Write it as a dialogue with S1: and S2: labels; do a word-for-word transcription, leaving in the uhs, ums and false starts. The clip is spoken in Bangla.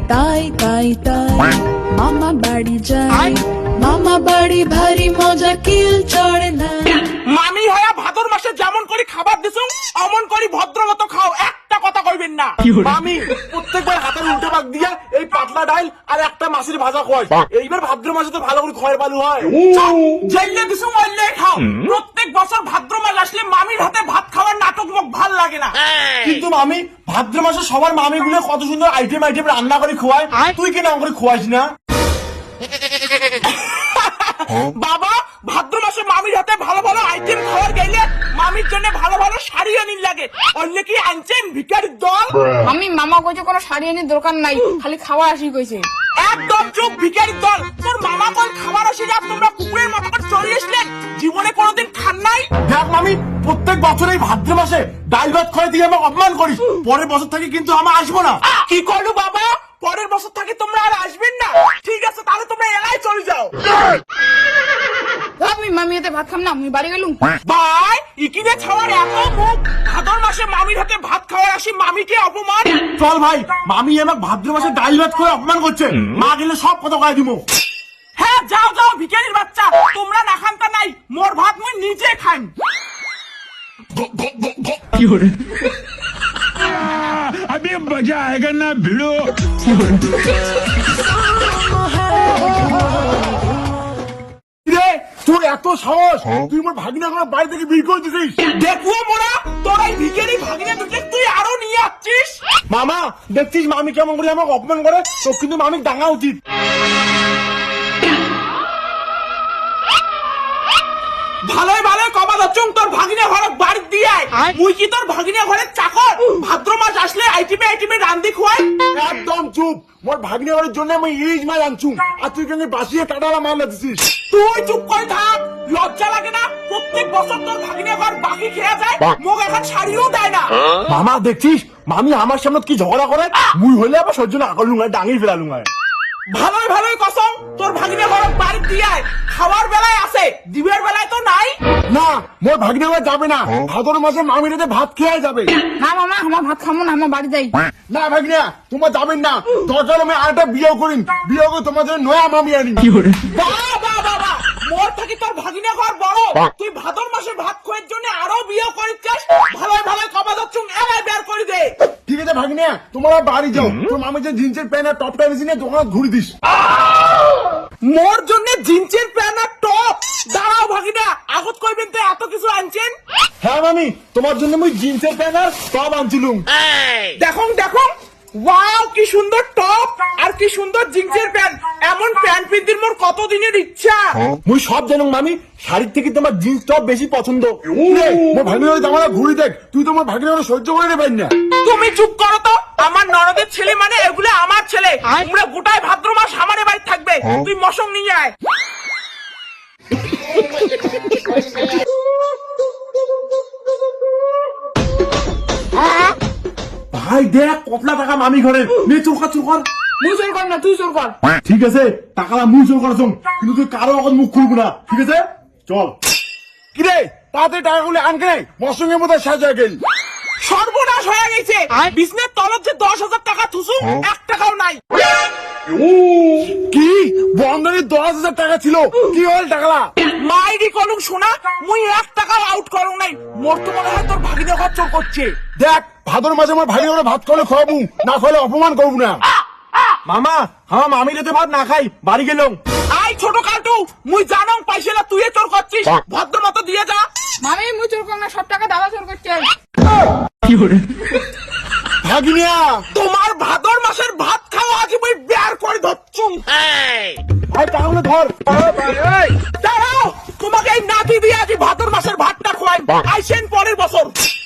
S1: তাই তাই তাই মামা বাড়ি যায়, মামা বাড়ি ভারী মজা কিল চড়ে না।
S2: মামি হয়া ভাদর মাসে যেমন করে খাবার দিছো অমন করে ভদ্রমতো খাও, একটা কথা কইবেন না।
S3: মামি প্রত্যেকবার হাতের উল্টো ভাগ দিয়া এই পাতলা ডাল আর একটা মাছের ভাজা খাওয়াই, এইবার ভাদ্র মাসে তো ভালো করে খয়ের বালু হয়।
S2: জেলে দিছো মরলে খাও, প্রত্যেক বছর ভাদ্র মাস আসলে মামির হাতে ভাত খাওয়ার নাটক মুখ ভাল লাগে না।
S3: কিন্তু মামি ভাদ্র মাসে সবার মামি গুলো কত সুন্দর আইটেম আইটেম রান্না করে খোয়ায়, তুই কেন করে খোয়াইস না?
S2: বাবা ভাদ্র মাসে মামির হাতে ভালো ভালো আইটেম খাওয়ার গেলে মামির জন্য ভালো ভালো শাড়ি আনির লাগে, অন্য কি আনছেন ভিখারির দল?
S4: আমি মামা কইছে কোনো শাড়ি আনির দরকার নাই, খালি খাওয়া আসি কইছে।
S2: একদম চুপ ভিখারির দল, তোর মামা কোন খাবার আসে যা তোমরা কুকুরের মতো করে চলে আসলেন, জীবনে কোনোদিন খান নাই?
S3: দেখ মামি প্রত্যেক বছর এই ভাদ্র মাসে ডাল ভাত খাওয়াই দিয়ে আমাকে অপমান করিস, পরের বছর থেকে কিন্তু আমি আসবো না।
S2: কি করলো বাবা, পরের বছর থেকে তোমরা আর আসবেন না? ঠিক আছে তাহলে তোমরা এলাই চলে যাও।
S4: আমি মামি হাতে ভাত খাম না, আমি বাড়ি গেলুম।
S2: ভাই ইকিনে ছাওয়ার এত মুখ, ভাদর মাসে মামির হাতে ভাত খাওয়ার আসি মামিকে অপমান।
S3: চল ভাই, মামি আমাকে ভাদ্র মাসে ডাল ভাত করে অপমান করছে, মা গেলে সব কথা কয়ে দিব।
S2: হ্যাঁ যাও যাও ভিখারির বাচ্চা, তোমরা না খান তা নাই, মোর ভাত মুই নিজে খাই।
S5: अभी मजा आएगा ना भिड़ो।
S3: রে তোর এত সাহস, তুই আমার ভাগিনা করে বাড়ি থেকে বের করে দিছিস।
S2: দেখবো মোরা তোর এই ভিখারি ভাগিনা দুটো তুই আরো নিয়ে আসছিস।
S3: মামা দেখছিস মামি কেমন করে আমাকে অপমান করে, তোর কিন্তু মামি ডাঙা উচিত।
S2: ভালোই ভালোই কবা দচ্ছুং তোর ভাগিনা ঘরে বাড়ি দিয়ে আয়, মুই কি তোর ভাগিনা ঘরের চাকর? ভাদ্র মাস আসলে আইটিমে আইটিমে রান্দি খুয়াই।
S3: একদম চুপ, মোর ভাগিনা ঘরের জন্য আমি ইলিশ মাছ আনছুম, আর তুই কেন বাসিয়ে কাটালা মাল দিছিস?
S2: তুই চুপ করে থাক, লজ্জা লাগে না? প্রত্যেক বছর তোর ভাগিনা ঘর বাকি খেয়া যায়, মোক এখন শাড়িও দেয় না।
S3: মামা দেখছিস মামি আমার সামনে কি ঝগড়া করে, মুই হইলে আবার সহ্য না করলুম, ডাঙি ফেলালুম।
S2: ভালোই ভালোই কসম তোর ভাগিনা ঘর বাড়ি দিয়ে আয়, খাওয়ার বেলায় আছে, দিবের বেলায় তো নাই।
S3: না মোর ভাগিনা ঘর যাবে না, ভাদর মাসে মামির হাতে ভাত খেয়ে যাবে।
S4: না মামা আমার ভাত খামো না, আমার বাড়ি যাই।
S3: না ভাগিনা তোমার যাবেন না, দরকার আমি আরেকটা বিয়ে করিম, বিয়ে করে তোমার জন্য নয়া মামি আনি।
S2: বাহ বাহ বাহ বাহ, মোর থাকি তোর ভাগিনা ঘর বড়, তুই ভাদর মাসে ভাত খোয়ের জন্য আরো বিয়ে করিস চাস। ভালোই ভালোই কবা দচ্ছুং এলাই বের করে দে।
S3: ঠিক আছে ভাগিনা তোমরা বাড়ি যাও, তোর মামি যে জিন্সের প্যান্ট আর টপটা এনেছি না দোকানে ঘুরে দিস।
S2: মোর জন্য জিন্সের প্যান্ট আর টপ? দাঁড়াও ভাগিনা, আগত কইবেন তো এত কিছু আনছেন?
S3: হ্যাঁ মামি তোমার জন্য মুই জিন্সের প্যান্ট আর টপ আনছিলুম।
S2: দেখুন দেখুন, ওয়াও কি সুন্দর টপ আর কি সুন্দর জিন্সের প্যান্ট, এমন প্যান্ট পিন্দির মোর কতদিনের ইচ্ছা।
S3: মুই সব জানুম মামি, শাড়ির থেকে তোমার জিন্স টপ বেশি পছন্দ। নে, মোর ভাগিনা জামাটা ঘুরি দেখ, তুই তোমার ভাগিনা সহ্য করে নেবেন না।
S2: তুমি চুপ করো তো, আমার ননদের ছেলে মানে এগুলো আমার ছেলে, তোমরা গোটায় ভাদ্র মাস আমার বাড়ি থাকবে, তুই মশং নিয়ে আয়।
S3: ভাই দেখ কতলা টাকা মামি ঘরে, নে চোখা চোখার।
S4: মুই চোর কর না, তুই চোর কর।
S3: ঠিক আছে টাকাটা মুই চোর করছ, কিন্তু তুই কারো এখন মুখ খুলবো না, ঠিক আছে? চল। কিরে তাতে টাকাগুলো আনকে মসঙ্গের মধ্যে সাজা গেল।
S2: সর্বনাশ হয়ে গেছে, বিজনেস তলত যে দশ হাজার টাকা থুসু এক টাকাও নাই।
S3: কি বন্ধনের দশ হাজার টাকা ছিল, কি হল টাকালা?
S2: মাইরি কলুক শোনা, মুই এক টাকাও আউট করুন নাই, মোর তো মনে হয় তোর ভাগিনা ঘর চোর করছে।
S3: দেখ ভাদর মাঝে আমার ভাই করে ভাত খাওয়ালে খাওয়াবো, না খাওয়ালে অপমান করবো না। মামা আমার মামি যাতে ভাত না খাই বাড়ি গেলাম।
S2: আই ছোট কালটু, মুই জানং পাইছিলা তুই চোর করছিস, ভদ্র মতো দিয়ে যা।
S4: মামি মুই চোর কর না, সব টাকা দাদা চোর করছে।
S3: ভাগিনিয়া
S2: তোমার ভাদর মাসের ভাত খাওয়া আজ মুই বের করে ধরছুম।
S3: ভাই টাকাগুলো ধর।
S2: দাঁড়াও, তোমাকে এই নাতি দিয়ে আজ ভাদর মাসের ভাতটা খোয়াই, আইসেন পরের বছর।